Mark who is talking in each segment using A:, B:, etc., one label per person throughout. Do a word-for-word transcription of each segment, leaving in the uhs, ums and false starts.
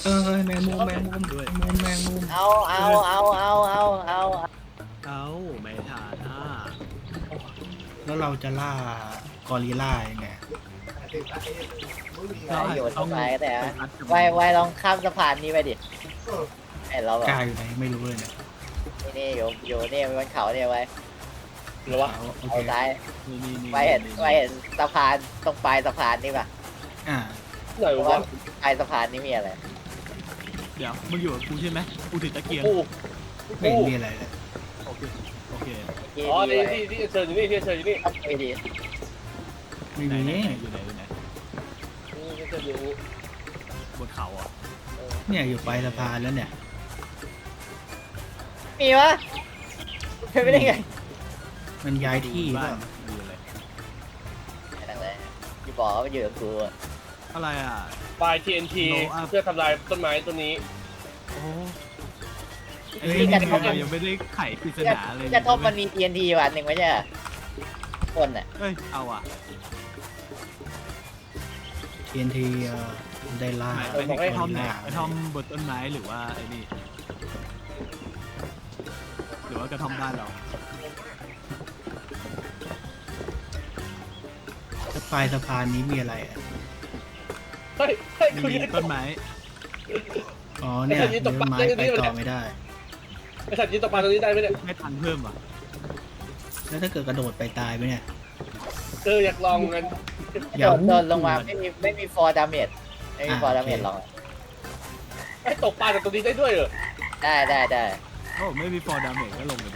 A: เออแมงมุมแมงมุมด้วยแมงมุมแมงมุม
B: เอาเอาเอาเอาเอาเอา
C: เอาไม่ทานอ่ะ
A: แล้วเราจะล่ากอริลล่ายังไง
B: โยนเข้าไปแต่
C: ไปพัดกับ
B: ไวไวลองข้ามสะพานนี้ไปดิไอเราแบบ
A: กล้าอยู่ไหนไม่รู้เลยเนี่ย
B: นี่นี่อยู่อยู่นี่บนเขาเนี่ยไว้
D: หรือว่า
A: เอาโอ
B: เอา
A: เค
B: ซ้าย
C: นี่นี่นี่
B: ไวเห็นไวเห็นสะพานตรงปลายสะพานนี่ป่ะ
A: อ่า
D: ไหน
B: เพราะว่าว
D: ะ
B: ปลายสะพานนี่มีอะไร
C: เดี๋ยวมึงอยู่กับกูใช่ไหมกูถือตะเกียง
D: กู
A: ไม่เห็นมีอะไรเลย
C: โอเคโอเค
B: ที่
D: อ๋อ
B: ดี
D: นี่
B: ไว้
D: ที่ที่เชิญอยู่นี่ที่เชิญอยู่นี่
B: ต้องไปดี
A: ไม่
C: ไหน
A: มี
C: ไหนไหนอยู่ไหนอยู่ไหน
D: ที่เชิญอยู่นี่
C: บนเขาอ่ะ
A: เนี่ยอยู่ปลายสะพานแล้วเนี่ย
B: มีวะเป็นไม่ได้ไง
A: มันย้ายที่เป
C: บ้า
A: ล่าน
C: ดูอะไร
B: นั่นแหละที่บอกว่ามันอยู่กับกูอะ
C: อะไรอ่ะ
D: ไฟ ที เอ็น ที
C: Blow up
D: เพื่อทำลายต้นไม้ต้นนี้
C: โอ้
A: เอ้ย
C: ย
A: นี่
C: เรายังไม่ได้ไขปริศนาเลย
B: จะทบมันมี ที เอ็น ที วันหนึ่งไม่ใช่เหรอคนอ่ะ
C: เอ้ยเอาอ่ะ
A: ที เอ็น ทีได้ล่า
C: ไปถึง
A: ก
C: ไอ้
A: อ
C: ทอม
A: ริล
C: ไหน
A: ล่า
C: ไอ้ทอมบนต้นไม้หรือว่าไอ้นี่หรือว่ากระท่อมบ้านเรา
A: แล้วปลายสะพานนี้มีอะไรอ่ะ
D: เฮ้ยเฮ้ยคุ
C: มี
D: ณ
C: ต้นไม้
A: อ๋อเนี่ย
D: ไอ้สัตว์นี้ต
A: เนื้
D: ก
A: อ
D: ปลา
A: ไม้
D: ได้
A: ไป
D: ด้วย
A: ต่อ
D: เนี่ย
A: ไม่ได้
D: ไอสัตว์ยืนตกปลาตรงนี้ได้ไหมเนี่ย
C: ไม่ทันเพิ่มอ่ะ
A: แล้วถ้าเกิดกระโดดไปตายไปเนี่ย
D: เอออยากลองกัน
A: อย่า
B: โดนโดนลงมาไม่มีไม่มีฟอร์ดาเมจไม่มีฟอร์ดาเมจหรอก
D: ไอ้ตกปลาจากตรงนี้ได้ด้วยเหรอ
B: ได้ได้ได้
C: โอ้ไม่มีฟอร์ดาเมจก็ลงไปดู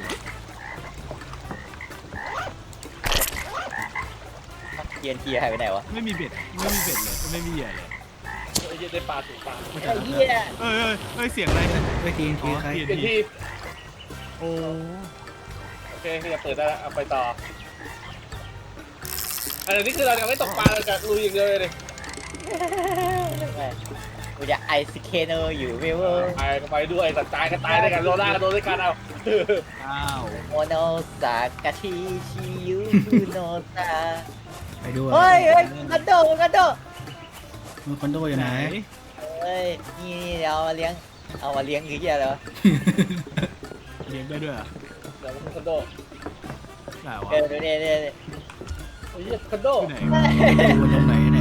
B: เทียนทีหายไปไหนวะ
C: ไม่มีเบ็ดไม่มีเบ็ดเลยไม่มีเหยื่อเลย
D: ไอ้เหี้ยได้ปลาถูกปลา
B: ไอ้เหี้ย
C: เอ้ยเอ้ยเอ้ยเสียงอะไรเนี่ย
A: เฮ้ยทีเอ็น
C: อ๋
A: ที
C: อ
A: ใคร
C: ที
D: เป็นที่
C: โอ้
D: โอเคจะเปิดได้แล้วเอาไปต่ออันนี้คือเราจะไม่ตกปลาเราจะลุยอย่างเดียวเลย
B: กูจะไอซิเคเนอร์อยู่ไม่เวอร์
D: ไปก็ไปด้วยสัตว์ตายก็ตายด้วยกันโลล่าก็โดนด้วยกันเอา
C: อ้าว
B: โมโนสากาชิชิยุโนซา
A: ไปด้วย
B: เฮ้ยเฮ้ยกันโดกันโด
A: มือคอนโดอยู่ไหน
B: เฮ้ยนี่เอามาเลี้ยงเอามาเลี้ยงคือเหี้ยอะไรวะ
C: เลี้ยงได้ด้วยเหรอ
D: เดี๋ยวมันคอนโด
C: ได้วะ
B: เออดูเนี่ยเนี่ย
D: ไอ้เหี้ยคอนโด
C: ที่ไหน
A: อยู่ตรงไหนเนี่ย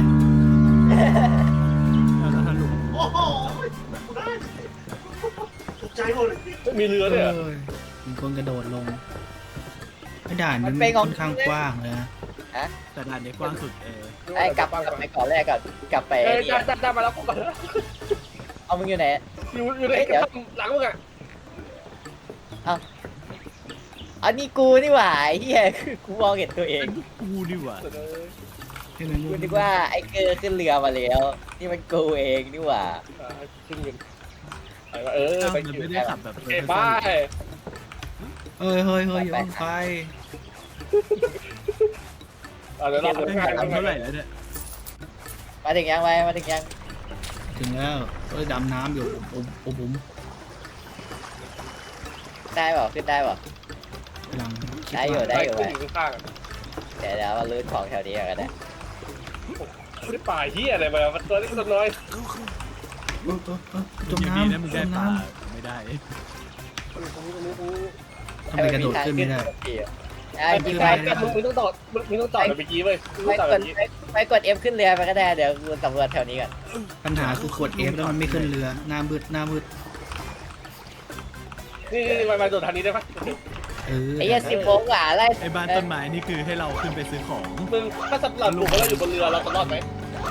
C: แล้วถ้าลุง
E: โอ้โหกูได้ตกใจหมดเลย
D: ไม่มีเรือด้วยเหรอ
A: เอ้ยมีคนกระโดดลงไม่ด่านมันค่อนข้างกว้างเลยนะ
C: แต่ด่านนี้กว้างสุดเออ
B: ไอ้กลับกลับไปก่อนแรกก่อนกลับไป
D: เอ้ย
B: นี่
D: จ้าจ้าจ้ามาแล้วกูมาแล้ว
B: เอามึงอยู่ไหน
D: อยู่อยู่ในหลังมึงอ่ะ
B: อันนี้กูนี่หว่าไอ้เหี้ยคือกูมองเห็นตัวเอง
C: กูดีกว่า
A: ใช่ไหม
B: กูนึกว่าไอ้เกอร์ขึ้นเรือมาแล้วนี่มันกูเองนี่หว่า
D: ขึ้นเงินเออ
C: อ้าว
D: ไป
C: มัน
D: คิว
C: ไม่ได้ขับแบบ
D: เอ้บาย
A: เอ้ยเฮ้ยเฮ้ยอย่าเพิ่งไป
D: เดี๋ยวเรา
C: ไม่
D: เดิน
C: ได้
D: ทาง
C: ขับเท่าไหร่แล้วเนี่ย
B: มาถึงยังไวมาถึงยัง
A: ถึงแล้วเอ้ยดำน้ำอยู่อุบอุบอุบ
B: ได้เปล่าขึ้นได้เปล่าก
A: ำลังคิ
B: ได้อยู่
A: ว่า
B: ได้อยู่
D: ขึ้นอยู่ข้าง
B: เดี๋ยวเดี๋ยวมาลื้อของแถวนี้กันนะ
D: ไม่ได้ป่าเฮียอะไรมามันตัวเล็กตัวน้อย
A: เออเออเออจม
C: อยู่
A: น้
C: ดีนะมึง
A: ำจ
C: ได้
A: ม
C: ป
A: น้
C: ลาไม่ได้
A: ำทำไมกระโดดขึ้นไม่ได้
B: ไอ้กี
D: มึง
B: ไป
D: มึงต้องต่อมึงต้องต่อแบบเมื่อกี้เว้ยมึง
B: ไป
D: ต้องต่อก แบบ
B: ด
D: นี้
B: ไปกด F ขึ้นเรือไปก็ได้เดี๋ยวกูสำรวจแถวนี้ก่อน
A: ปัญหาคือกด F แล้วมันไม่ขึ้นเรือหน้ามืดหน้ามืด
D: นี่นี่มามาโดดทางนี้ได้ปะ
A: เออ
B: ไอ้เหี้ยสิบโมงกว่าไล่
C: ไอ้บ้านต้นไม้นี่คือให้เราขึ้นไปซื้อของ
D: มึงถ้าสำหรับบุกเราอยู่บนเรือเราจะรอดไหม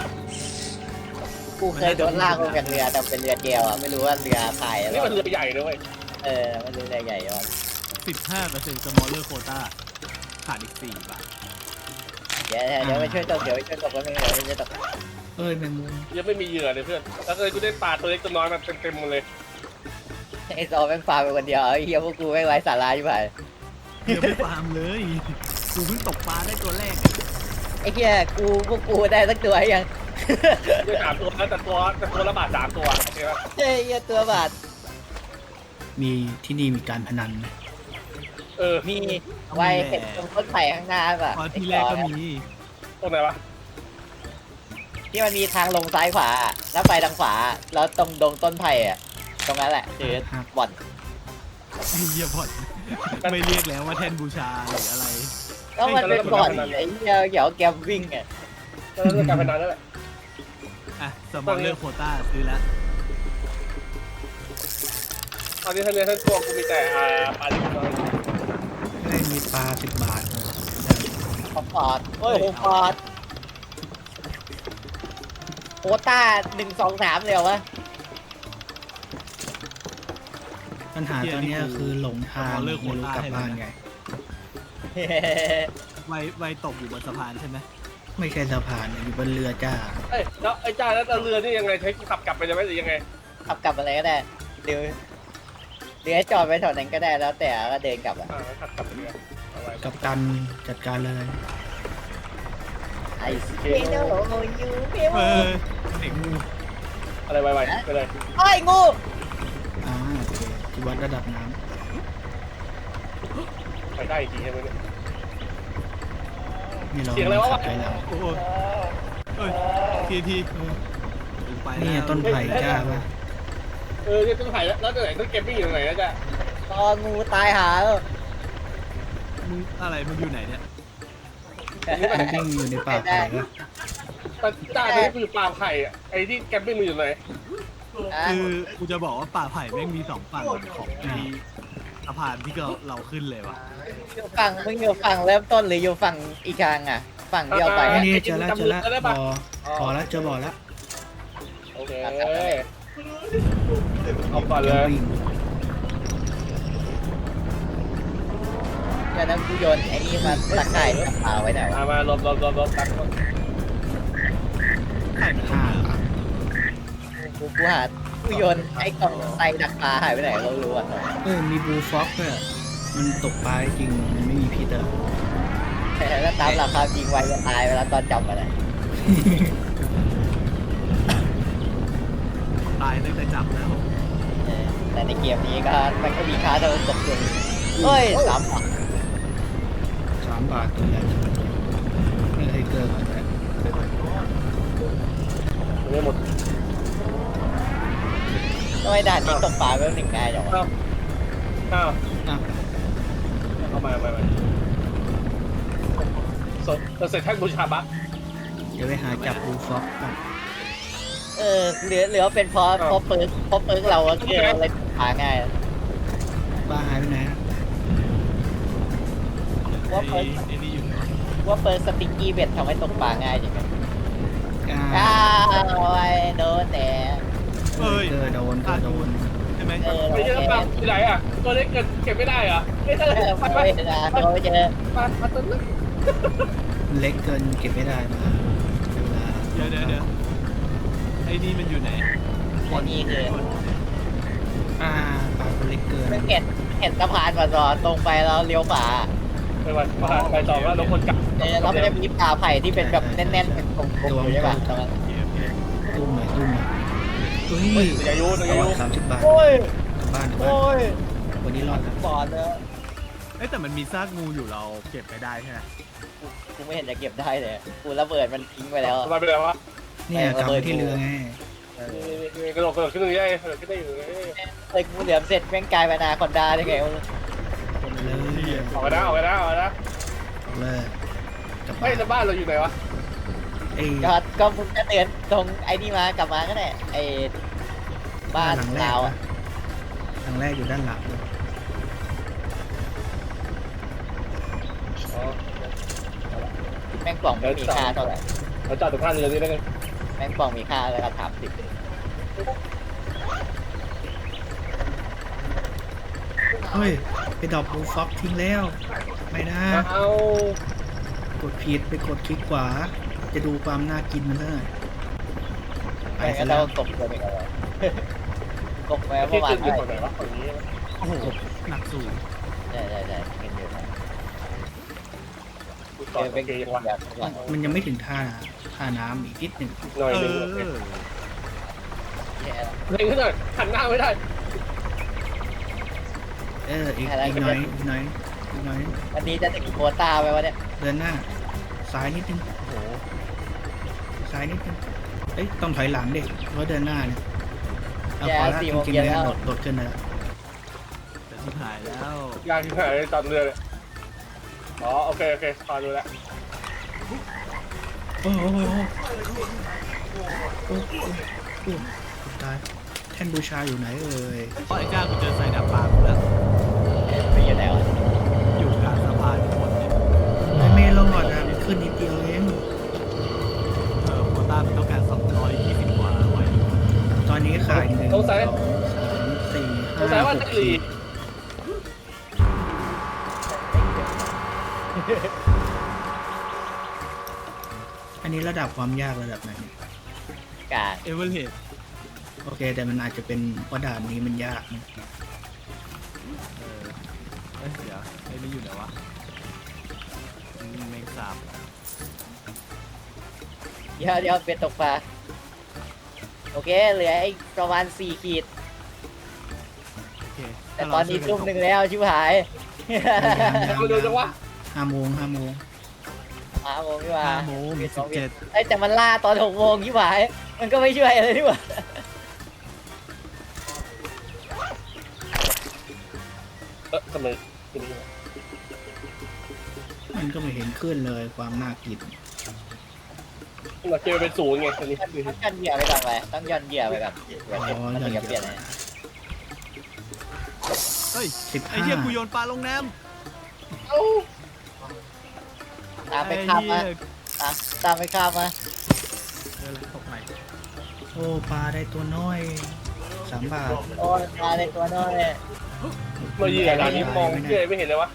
B: กูเคยโดนลากลงจากเรือแต่เป็นเรือเดียวอ่ะไม่รู้ว่าเรือพายอะไร
D: นี่มันเรือใหญ่ด้วย
B: เออไม่รู้เรือใหญ่ก่อน
C: สิบห้าเปอร์เซ็นต์ smaller quota ขาดอีกสี่บาท
B: เดี๋ยวเดี๋ยวไปช่วยตกเดี๋ยวไปช่วยตกแล้วไม่เดี๋ยวไปช่วยตก
A: เอ้ยแมงมุม
D: ยังไม่มีเหยื่อเลยเพื่อนแล้วเลยกูได้ปลาตัวเล็กตัวน้อยมาเต็มๆหมดเลย
B: ไอ้ซอแม่งฟาไปคนเดียวไอ้เหี้ยพวกกูไม่ไว้สาระอยู่ไป
C: เดี๋ยวไม่ฟาร์มเลยกูเพิ่งตกปลาได้ตัวแรก
B: ไอ้เหี้ยกูพวกกูได้สักตัวยัง
D: ได้สามตัวแล้วแต่ตัวแต่ตัวละบาทสามตัวโอเคปะ
B: เฮ้ยเหี้ยตัวบาท
A: มีที่นี่มีการพนันไหม
D: เออ
B: มีไว้เห็นตรงต้นไผ่ข้างหน้าป่ะ
C: ตอนที่แรกก็มี
D: ตรงไหนวะ
B: ทที่มันมีทางลงซ้ายขวาแล้วไปทางขวาแล้วตรงดงต้นไผ่อะตรงนั้นแหละคือบ่อน
C: ไอ้เหี้ยบอดไม่เรียกแล้วว่าแทนบูชาหรืออะไร
B: ก็มันเป็นบ่อนไอ้เหี้ยเกี่ยวกับแกมวิ่งอ่ะ
D: ก็เรื่องการพนันนั่นแหละ
C: อ่ะสมองเลือกโควต้าซื้อแล้ว
D: ตอนนี้ทั้งเนื้อทั้งตัวกูมีแต่อ่าปลาดิบน้อย
A: ได้มีปลาสิบบาทเลย
B: ขอปอดโอ้ยโหปอดโควต้าหนึ่งสองสามเลยวะ
A: ปัญหาตอนเนี้ยคือหลงทางไม่รู้กลับบ้านไง
C: ไวไวตกอยู่บนสะพานใช่ไหม
A: ไม่ใช่สะพานอยู่บนเรือจ้า
D: เอ้ยแล้วไอ้จ้าแล้วเรือนี่ยังไงใช้ขับกลับไปได้ไหมหรือยังไง
B: ขับกลับอะไรก็ได้เดี๋ยวเดี๋ยวจอดไปแถวนั้นก็ได้แล้วแต่ก็เดินกลับอ่ะ
D: อ่าขับกลับไปเรือเอาไว้
A: กับตันจัดการเลย
B: ไอ้ไม่โน้ยูไม่
C: เอ
B: โน้
C: อเด็กงู
D: อะไรไวๆไปเลย
B: ไอ้งู
A: อ่าโอเคที่วัดระดับน้
D: ไปได้อีกทีใช่ไหมเนี่ย
A: ำนี่เรา
D: เสียงอะไรวะ
A: ขับไปแล้ว
C: โอ้โหเอ้ยทีทีไป
A: นี่
C: แล้ว
A: ต้นไผ่จ้าป่ะ
D: เออเนี่ยต้นไผ่แล้วแล้วไหนต้นเกมมิ่งอยู่ตรงไหนนะจ๊ะ
B: ตองูตายหาแล้ว
C: มึงอะไรมึงอยู่ไหนเนี่ย
A: มันวิ่งอยู่ในป่าไผ่ป่ะ
D: แต่จ้าตอนนี้กูอยู่ป่าไผ่อะไอ้ที่แกมปิ้งมันอยู่ไหน
C: คือกูจะบอกว่าป่าไผ่แม่งมีสองฝั่งของไอ้สะพานที่เราเราขึ้นเลยว่ะ
B: อยู่ฝั่งมึงอยู่ฝั่งเริ่มต้นหรืออยู่ฝั่งอีกทางอ่ะ ฝั่งที่เอาไป
A: ไอ้
B: อะ
A: นี่เจอแล้วเจอแล้วบอพอแล้วเจอบ่อแล้ว
D: โอเคเอาก่อนเลย
A: วิ่ง
B: เดี๋ยวนั้นกูโยนไอ้นี่มาตะข่ายจับปลาไว้หน่อย
D: มามาลบลบลบลบตัก
C: ไข่มัน
A: ห้า
B: กูกูหากูโยนไอ้กล่องไตดักปลาหายไปไหนเรารู้อ่ะ
A: เออมีบลูฟ็อกด้วยมันตกปลาจริงมันไม่มีพิษอะ
B: แต่ถ้าตามหลักความจริงไว้จะตายเวลาตอนจับมันอ่ะ
C: ตายตั้งแต่จับแล้ว
B: เออแต่ในเกมนี้ก็มันก็มีค่าเท่าตกอยู่เฮ้ยสามบาท
A: สามบาทตัวใหญ่ไม่เคยเกินก่อนแต่
D: ไม่หมด
B: ทำไมด่านนี้ตกปลาไม่ถึงง่ายจังวะ
D: อ้าวอ้าว
A: อ่ะ
D: เอามาไปไปสดเสร็จแท่งบูชาบัค
A: เดี๋ยวไปหาจับบลูฟ็อกก่อน
B: เออเหลือเหลือเป็นเพราะเพราะเปิร์กเพราะเปิร์กเราอะเกิดอะไรตกปลาง่ายอะ
A: ปลาหายไปไหนอะ
B: ว่าเปิ
C: ไอ้
B: ร์ก
C: ไอ้นี่อยู่ไหน
B: ว่าเปิร์กสติ๊กกี้เบ็ดทำให้ตกปลาง่ายจริงไหม
A: อ่า
B: อ้าวไอ้โดนแต่
C: เอ้ย
A: เกอโดนเกอโดน
C: ใช่ไหม
B: เออ
D: ไม่ใช่ปลาที่ไหนอ่ะตัวเล็กเกินเก็บไม่ได้เหรอไม่ใช่
B: เออ
D: ไป
B: ไป
D: ไป
B: นะโดนเจอ
D: ปลาปลาตัวเล็ก
A: เล็กเกินเก็บไม่ได้มาเวลา
C: เดี๋ยวเดี๋ยวเดี๋ยวไอ้นี่มันอยู่ไหน
B: อันนี้คือ
A: อ่าปลาตัวเล็กเกิน
B: มันเห็นเห็นสะพานมาจอตรงไปแล้วเลี้ยวขวา
D: ไปวันไปต่อว่าเราคนกลับ
B: เออแล้วมันจะมีป่าไผ่ที่เป็นแบบแน่นๆเป็นกลมๆอยู่ใช่ป่ะตรงนั้น
C: โอเคโอเค
A: ตุ้มหน่อยตุ้มหน่อยเฮ้
D: เฮ้ย
A: ย
D: อย่ายุอย่า
A: เอา
D: ยุ
A: สามสิบบาท
B: โอ้ย
A: กลับบ้านกลับบ้า
B: โอ้
A: น
B: ย
A: วันนี้รอดแล้ว
B: บอดเลย
C: เอ้ยแต่มันมีซากงูอยู่เราเก็บไปได้ใช่ไหม
B: กูไม่เห็นจะเก็บได้เลยกูระเบิดมันทิ้งไปแล้ว
D: มาไปเลยวะ
A: เนี่ยกลับไปที่เรือไง
D: กระโดดกระโดดขึ้นตรงนี้ได้กระโดดขึ้นได้อยู่เลย
B: เอ้ยกูเหลือมเสร็จแม่งกลายเป็นอนาคอนดาได้ไงวะ
A: กดเลย
D: ออกไปนะออกไปนะออกไปนะ
A: กดเลยกลับ
D: เฮ้
A: บ้าย น
D: แล้วบ้านเราอยู่ไหนวะ
A: ไอ้
B: ก็ก็มึงจะเตือนตรงไอ้นี่มากลับมาก็ได้ไอ้บ้าน
A: หลังแรก
B: เราอ่ะ
A: หลังแรกอยู่ด้านหลังเลย
B: แม่งกล่องไม่มีค่าเท่าไหร่
D: เราจอดตรงท่าเรือนี้ได้ไง
B: แม่งกล่องมีค่าแล้วก็ถามสิบ
A: เฮ้ยไปดรอปบลูฟ็อกทิ้งแล้วไม่นะ
D: เอา
A: กดผิดไปกดคลิกขวา จะดูความน่ากินมันเท่าไหร่ไป
B: แม่ง
A: ซะ
B: ก็
A: แล้
B: ต้
A: ว
B: องกบตัวเองเอาไว้กบไว้เมื่
D: ที่
B: อวา
D: ขึ้
B: น
D: นอยู่ฝั่งไหนวะฝั่งนี้
C: โอ้โหหนักสูง
B: ใช่ใช่ใช่เห็นอยู่นะ
D: กู
B: เอ
D: ต่อ
B: อ
D: เป็
B: เป็น น
D: เกย์วะ
B: แบบก่อน
A: มันยังไม่ถึงท่าท่าน้ำอีกนิดหนึ่ง
D: หน่อย
C: เอ
D: นึง
C: อ
B: แย่แล้ว
D: เร่งขึ้นหน่อยหันหน้าไม่ได้
A: เอออีกอีกหน่อยอีกหน่อยอีกหน่อย
B: วันนี้จะถึงโควต้าไปวะเนี่ย
A: เดินหน้าซ้ายนิดนึง
C: โอ้โห
A: ซ้ายนิดนึงเอ้ยต้องถอยหลังเด็กเพราะเดินหน้าเนี่ยเอา
B: แย่
A: พอแล้ว
B: สี่
A: จ
B: โมง
A: ริง
B: เย็
A: ๆ
B: น
A: เลย
B: แล้ว
A: โดดโดดขึ้นเลยละ
C: จะชิบหายแล้ว
D: ยากที่ไหนตอนเรือเลยอ๋อโอเคโอเคพอดูแล้ว
A: โอ้โหโอ้โหโอ้โหโอ้โหตายแท่นบูชาอยู่ไหนเอ่ย
C: เพราะไอ้จ้ากูเจอใส่ดาบปลากูแล้ว
B: ไปอยู่ไหนวะ
C: อยู่กลางสะพานทั้งหมดเนี่ย
A: ไม่ไม่รอดอ่ะมันขึ้นนิดเดียวเอง
C: เออโควต้ามันต้องการสองร้อยยี่สิบกว่าไว้
A: ตอนนี้ขาดหนึ่งสองสามสี่
D: สงสั
A: ห้าย
D: ว่า
A: หก
D: จะหลี
A: ขีดอันนี้ระดับความยากระดับไหน
B: กลาง
C: เอเวอร์เรสต์
A: โอเค แต่มันอาจจะเป็นเพราะด่านนี้มันยากนะ
C: เออเอ้ยเดี๋ยวไอ้นี่อยู่ไหนวะอืมแมงสาบ
B: เดี๋ยวเดี๋ยวเป็นตกปลาโอเคเหลืออีกประมาณสี่ขีด
C: โอเค
B: แต่ตอนนี้ทุ่มหนึ่งแล้วชิบหาย
D: มาดูจังวะ
A: ห้าโมงห้าโมง
B: ห้าโมงพี่ว่า
C: ห้าโมงสิบเจ็ด
B: ไอ้ยแต่มันล่าตอนหกโมงชิบหายมันก็ไม่ช่วยอะไรนี่หว่า
D: เออทำไมเป็นอย่างนี้
A: มันก็ไม่เห็นขึ้นเลยความน่ากิน
D: เราเจอเป็นศูนย์ไงตอนนี้
B: ต้องย่อนเหยื่อไปก่อนไปต้องย่อนเหยื่อไปก่อนเดี๋ยว
A: อ๋อ
B: มัน
A: ยั
B: ถึ
A: น
B: งจะเปลี่ยน
A: เยอะ
C: เฮ้ย
A: สิบ
C: ไอ้
A: ห้า
C: เหี้ยกูโยนปลาลงน้
B: ตาม
C: ำ
B: ไปข้ามมา
C: ไอ้เหี้ย
B: ตามตามไปข้ามมา
C: เออตกใหม่
A: โอ้ปลาได้ตัวน้อยสามบาท
B: โอ้ยมาในตัวน้อย
D: มาเหยื่อด่านนี้มองเหยื่อไม่เห็นเลยวะ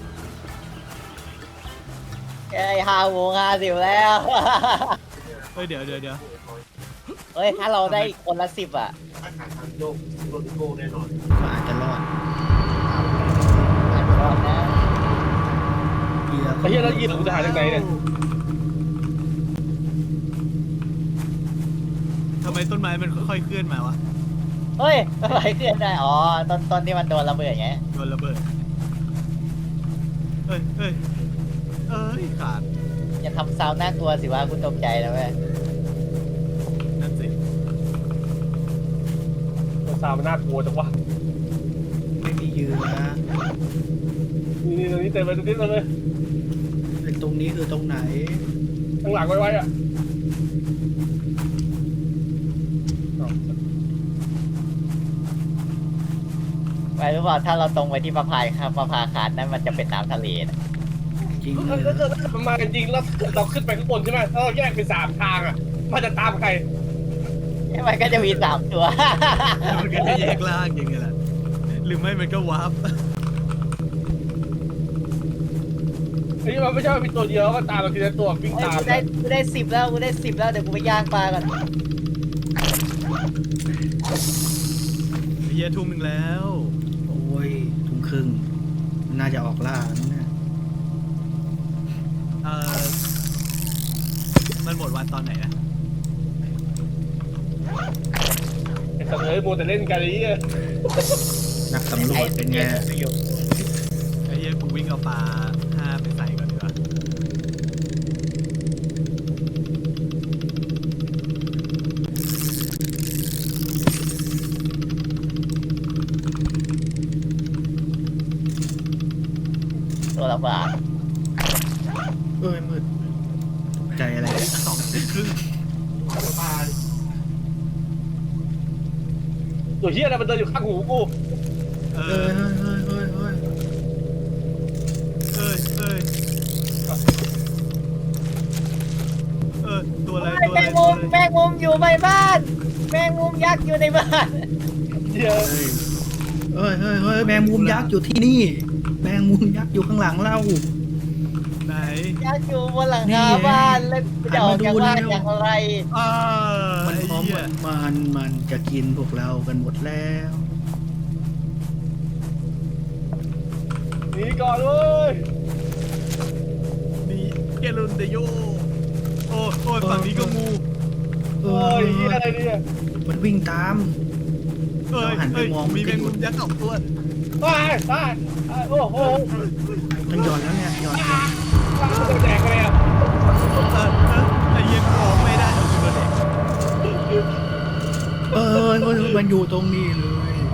B: ไอ้ห้าโมงห้าสิบแล้ว
C: เฮ้ยเดี๋ยวเดี๋ยวเดี๋ยว
B: เฮ้ยถ้าเราได้คนละสิบอ่ะ
E: โลกโลกโลกแน่นอน
A: ก็อาจจะรอด
B: อาจจะรอดนะ
A: เหยื่อ
D: ไอ้เหี้ยแล้วเหยื่อกูจะหาจากไหนเนี่ย
C: ทำไมต้นไม้มันค่อยๆเคลื่อนมาวะ
B: เฮ้ยอะไรเคลื่อนได้อ๋อตอนตอนที่มันโดนระเบิดไง
C: โดนระเบิดเอ้ยเอ้ยเอ้ยขาด
B: อย่าทำซาวน่ากลัวสิว่าคุณตกใจนะเว้ย
C: นั่นสิ
D: ซาวมันน่ากลัวจังวะ
A: ไม่มีเหยื่อ
D: นี่นี่ตรงนี้เต็มเลยตรงนี้เต็มเลย
A: เป็นตรงนี้คือตรงไหน
D: ข้างหลังไว้ไว้อะ
B: ไปรู้เปล่าถ้าเราตรงไปที่ประพายครับประพาคารนั้นมันจะเป็นน้ำทะเลนะ
A: จริง
D: ถ้า
A: เหร
D: เกิด
A: อ
D: ถ้าเกิดมันมากันจริงแล้วเราขึ้นไปข้างบนใช่ไหมถ้าเราแยกเป็นสามทางอ่ะมันจะตามใคร
B: มันก็จะมีสามตัว
C: มันก็จะแยกล่างอย่างเงี้ยแหละหรือไม่มันก็วาร์ป
D: ไอ้นี่มันไม่ใช่ว่ามีตัวเดียวก็ตามเราทีละตัววิ่ง
B: เฮ้ย
D: ตาม
B: กูได้กูได้สิบแล้วกูได้สิบแล้วเดี๋ยวกูไปย่างปลาก่อน
C: ไอ้เหี้ยทุ่มหนึ่งแล้ว
A: โอ้ยทุ่มครึ่งน่าจะออกล่าแล้วนะ
C: เออมันหมดวันตอนไหนนะ
D: ไอ้สัตว์เอ้ยมัวแต่เล่นกันไอ้เหี้ย
A: นักสำรวจเป็นไง
C: ไอ้เหี้ยกูวิ่งเอาปลาห้าไปใส่ก่อนดีกว่า
B: ตัวละบาท
A: เอ้ยมืดตกใจอะไร
C: สองสิบครึ่ง
E: ปลา
D: ตัวเหี้ยอะไรมันเดินอยู่ข้างหูกู
C: เอ
A: เอ้
C: อย
A: เฮ้ยเฮ้ยเฮ้ยเฮ้ย
C: เอ้ยเอ้ยเออตัวอะไรตัว
B: แม
C: อะไร
B: ง
C: ตั
B: มุ
C: ว
B: ม
C: อะไร
B: แมงมุมอยู่ในบ้านแมงมุมยักษ์อยู่ในบ้าน
D: เหี้ย
A: เฮ้ยเฮ้ยเฮ้ยแมงมุมยักษ์อยู่ที่นี่ แมงมุมยักษ์อยู่ข้างหลังเรา
C: ไหน
B: ยักษ์อยู่บนหลัง
A: นี่
B: คา
A: ไง
B: บ้านแล้วจะออกจากบ้าน
A: หันมาดูเร็ว
B: อย่างไร
C: อ่า
A: มัน
C: ไอ้
A: พร้อม
C: เหี้ย
A: มันมันจะกินพวกเรากันหมดแล้ว
D: หนีก่อนเว้ย
C: นี่เกลุนเดโยโอ้โอ้ยฝั่งนี้ก็งู
A: เอ
D: เอ้
A: อย
D: เหี้ยอะไรเนี่ย
A: มันวิ่งตาม
C: เอ้ย
A: เราหันไป
C: เอ้ย
A: มอง
C: มี
A: มัน
C: แม
A: ก็
C: ง
A: อยู่
C: มุมยักษ์สองตัว
D: ตายตายตายโอ้โห
A: มันหย่อนแล้วเนี่ยหย่อน
D: ตายจะแดกเลยอ่ะ
C: เออเออไอ้เหี้ยกูออกไม่ได้เอากูโดนเด็ก
A: เออเออมันอยู่ตรงนี้เลย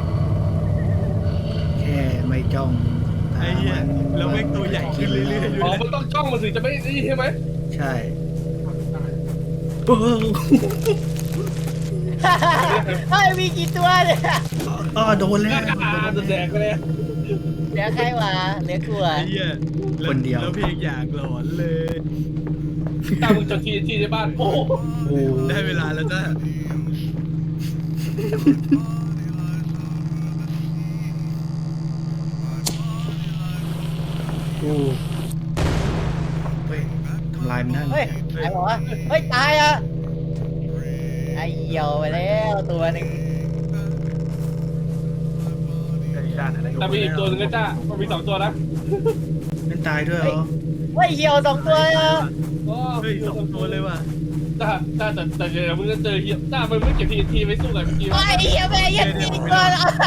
A: แค่ไม่จ้องตา
C: ไอ้เหี้ย
A: มัน
C: แล้วแม่งตัวใหญ่ขึ้นเรื่อยๆ
D: อ๋อมันต้องจ้องมันถึงจะไม่นี่ใช่ไหม
A: ใช่เออ
B: เฮ้ยมีกี่ตัวเนี่ย
A: อ๋อโดนแล้ว
D: อ่าจะแดกไปเลย
B: เหลือใครวะเหลือกูอ่ะ
C: ไอ้เหี้ยแล้
A: คนเดียว
C: แล้วเพลงอยากหลอนเลย
D: ตามมึงจนทีทีในบ้านโอ้
A: โอ้
C: ได้เวลาแล้วจ้า
A: โอ้เฮ้ยทำลายมันได้ไหม
B: เฮ้ยตายบอกว่าเฮ้ยตายอ่ะไอเหี่ยวไปแล้วตัวหนึ่ง
D: แต่มีอีกตัวหนึงนะจ้ามันมีสองตัวนะ
A: เป็นตายด้วยเหรอ
B: เฮ้ยเหี่ยวสองตัวเลยอ่ะ
D: อ๋อ
C: เฮ้ยสองตัวเลยว่ะ
D: จ้าจ้าแต่แต่เดี๋ยวมึงจะเจอเหี้ยจ้ามันไม่เก็บทีทีไม่สู้กับเมื่อกี้
B: ไอ้เหี่ยวแม่ยังมีตัวอะไร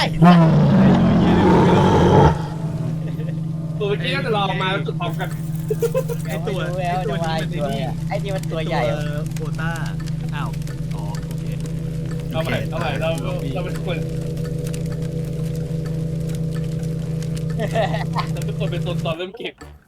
D: ตัวเมื่อกี้น่าจะรอมาแล้วจุดพร้อมกัน
C: ไอ้ตัว
B: แววจะมาอีกตัวเนี่ยไอ้นี่มันตัวใหญ่
C: ตัวโบต้าอ้าวอ๋อโอเค
D: เอาใหม่เอาใหม่เราเราเป็นคนเราเป็นคนเป็นตนตอนเริ่มเก็บ